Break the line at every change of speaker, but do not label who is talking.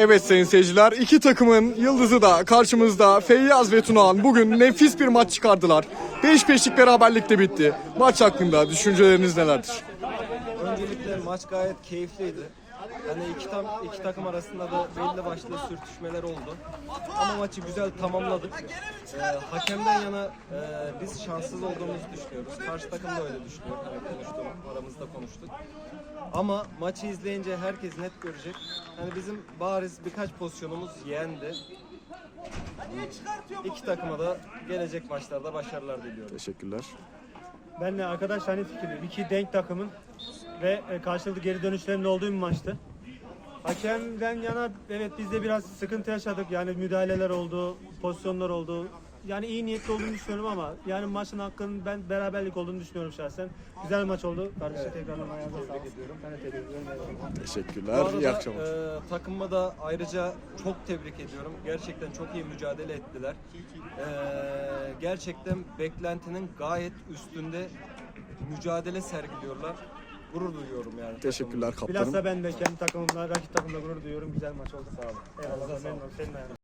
Evet sayın seyirciler, iki takımın yıldızı da karşımızda. Feyyaz ve Tunağan bugün nefis bir maç çıkardılar. 5-5'lik beraberlikle bitti. Maç hakkında düşünceleriniz nelerdir?
Öncelikle maç gayet keyifliydi. Hani iki takım arasında da belli başlı sürtüşmeler oldu. Ama maçı güzel tamamladık. Hakemden yana biz şanssız olduğumuzu düşünüyoruz. Karşı takım da öyle düşünüyor. Hani aramızda konuştuk. Ama maçı izleyince herkes net görecek. Hani bizim bariz birkaç pozisyonumuz yendi. İki takıma da gelecek maçlarda başarılar diliyorum.
Teşekkürler.
Ben de arkadaş aynı fikirdeyim. İki denk takımın ve karşılıklı geri dönüşlerin olduğu bir maçtı. Hakemden yana evet biz de biraz sıkıntı yaşadık. Yani müdahaleler oldu, pozisyonlar oldu. Yani iyi niyetli olduğunu düşünüyorum ama yani maçın hakkının ben beraberlik olduğunu düşünüyorum şahsen. Güzel bir maç oldu. Kardeşim tekrardan ayağınıza sağlık ediyorum. Ben de tebrik ediyorum.
Bu
Teşekkürler.
arada
İyi akşamlar.
takımıma da ayrıca çok tebrik ediyorum. Gerçekten çok iyi mücadele ettiler. Gerçekten beklentinin gayet üstünde mücadele sergiliyorlar. Gurur duyuyorum yani.
Teşekkürler kaptanım.
Bilhassa ben de kendi takımımla, rakip takımla gurur duyuyorum. Güzel maç oldu. Sağ olun. Eyvallah. Memnun oldum. Senin ayağına.